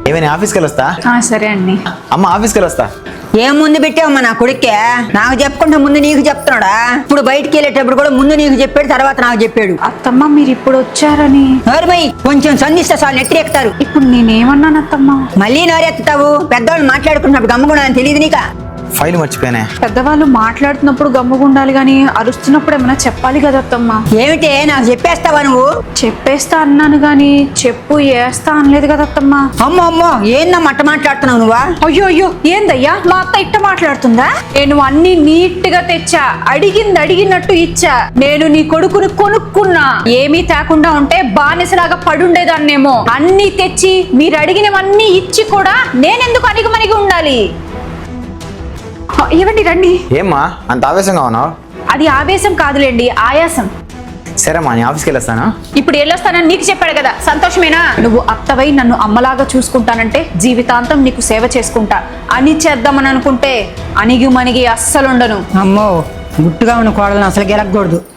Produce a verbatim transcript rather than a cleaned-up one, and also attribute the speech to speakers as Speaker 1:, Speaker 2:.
Speaker 1: ఏమైనా ఆఫీస్కి వెళ్ళొస్తా.
Speaker 2: సరే అండి.
Speaker 1: అమ్మ ఆఫీస్కి వెళ్ళొస్తా.
Speaker 3: ఏం ముందు పెట్టావమ్మా నా కొడుక్కే? నాకు చెప్పుకుంటే ముందు నీకు చెప్తున్నాడా? ఇప్పుడు బయటికి వెళ్ళేటప్పుడు కూడా ముందు నీకు చెప్పాడు, తర్వాత నాకు చెప్పాడు.
Speaker 2: అత్తమ్మ మీరు ఇప్పుడు వచ్చారని
Speaker 3: నోరుమై కొంచెం సంధిస్తే చాలు నెత్తిరెక్కుతారు.
Speaker 2: ఇప్పుడు నేనేమన్నాను అత్తమ్మ?
Speaker 3: మళ్ళీ నోరెత్తుతావు. పెద్దవాళ్ళు మాట్లాడుకున్నప్పుడు గమ్ముగుండాలని తెలియదు నీకా?
Speaker 1: ఫైల్ మర్చిపోయానే.
Speaker 2: పెద్దవాళ్ళు మాట్లాడుతున్నప్పుడు గమ్ముగుండాలి గాని అరుస్తున్నప్పుడు ఏమైనా చెప్పాలి కదా అత్తమ్మ.
Speaker 3: ఏమిటే నాకు చెప్పేస్తావా నువ్వు?
Speaker 2: చెప్పేస్తా అన్నాను గాని చెప్పు వేస్తా అనలేదు కదా అత్తమ్మ.
Speaker 3: అమ్మో అమ్మో ఏందా మట్ట మాట్లాడుతున్నావు నువ్వా?
Speaker 2: అయ్యో అయ్యో ఏందయ్యా మా అత్త ఇట్ట మాట్లాడుతుందా? నేను అన్ని నీట్ గా తెచ్చా, అడిగింది అడిగినట్టు ఇచ్చా. నేను నీ కొడుకుని కొనుక్కున్నా. ఏమీ తేకుండా ఉంటే బానిసలాగా పడుండేదాన్నేమో. అన్ని తెచ్చి మీరు అడిగినవన్నీ ఇచ్చి కూడా నేనెందుకు అణిగిమణిగి ఉండాలి? ఇవ్వండి రండి.
Speaker 1: ఏమ్మా అంత ఆవేశంగా ఉన్నావు?
Speaker 2: అది ఆవేశం కాదులేండి, ఆయాసం.
Speaker 1: సరేమ్మా నేను ఆఫీస్కి వెళ్ళొస్తాను.
Speaker 2: ఇప్పుడు వెళ్ళొస్తానని నీకు చెప్పాడు కదా, సంతోషమేనా? నువ్వు అత్తవై నన్ను అమ్మలాగా చూసుకుంటానంటే జీవితాంతం నీకు సేవ చేసుకుంటా అని చేద్దామని అనుకుంటే అణిగి మణిగి అస్సలుండను.
Speaker 3: అమ్మో గుట్టుగా ఉన్న కోడలను అసలు గెలకూడదు.